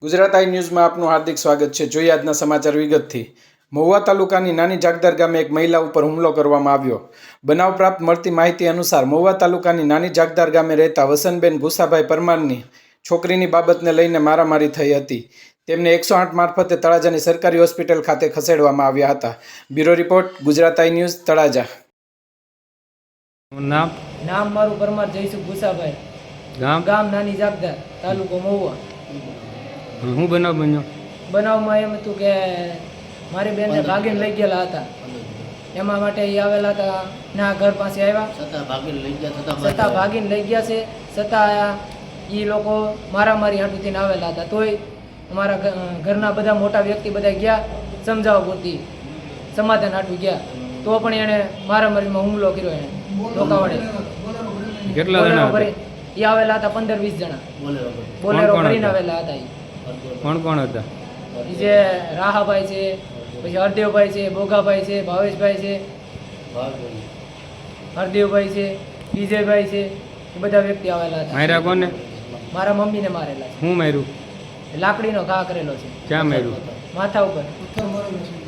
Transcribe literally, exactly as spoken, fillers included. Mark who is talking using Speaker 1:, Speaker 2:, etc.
Speaker 1: ગુજરાત આઈ ન્યૂઝમાં આપનું હાર્દિક સ્વાગત છે। જોઈએ આજના સમાચાર વિગતથી। મહુવા તાલુકાની નાની જાગદાર ગામે એક મહિલા ઉપર હુમલો કરવામાં આવ્યો। બનાવ પ્રાપ્ત મળતી માહિતી અનુસાર મહુવા તાલુકાની નાની જાગદાર ગામે રહેતા વસંતબેન ભૂસાભાઈ પરમારની છોકરીની બાબતને લઈને મારામારી થઈ હતી। તેમને એકસો આઠ મારફતે તળાજાની સરકારી હોસ્પિટલ ખાતે ખસેડવામાં આવ્યા હતા। Bureau report, Gujarat I news, Talaja.
Speaker 2: નામ
Speaker 3: નામ મારું પરમાર જયસુખ ભૂસાભાઈ,
Speaker 2: ગામ
Speaker 3: ગામ નાની જાગદાર, તાલુકો મહુવા।
Speaker 2: હું બનાવ બન્યો?
Speaker 3: બનાવમાં એમ હતું કે મારી બેનને ભાગીને લઈ ગયેલા હતા, એમાં માટે એ આવેલા હતા ના ઘર પાસે આવ્યા, છતાં ભાગીને લઈ ગયા છે। છતાં એ લોકો મારામારી હાટું થઈને આવેલા હતા, તોય અમારા ઘરના બધા મોટા વ્યક્તિ બધા ગયા સમજાવવા પૂરતી, સમાધાન હાટું ગયા, તો પણ એણે મારામારીમાં હુમલો કર્યો। એણે લોકાવડે
Speaker 2: કેટલા જણા હતા?
Speaker 3: એ આવેલા હતા પંદર વીસ જણા, બોલેરો કરીને આવેલા હતા।
Speaker 2: કોણ કોણ હતા?
Speaker 3: જે રાહાભાઈ છે, પછી હરદેવભાઈ છે, બોગાભાઈ છે, ભાવેશભાઈ છે, હરદેવભાઈ છે, વિજયભાઈ છે, એ બધા વ્યક્તિ આવેલા હતા।
Speaker 2: માર્યા કોને?
Speaker 3: મારા મમ્મીને મારેલા છે।
Speaker 2: હું માર્યું?
Speaker 3: લાકડીનો ઘા કરેલો છે।
Speaker 2: ક્યાં માર્યું?
Speaker 3: માથા ઉપર।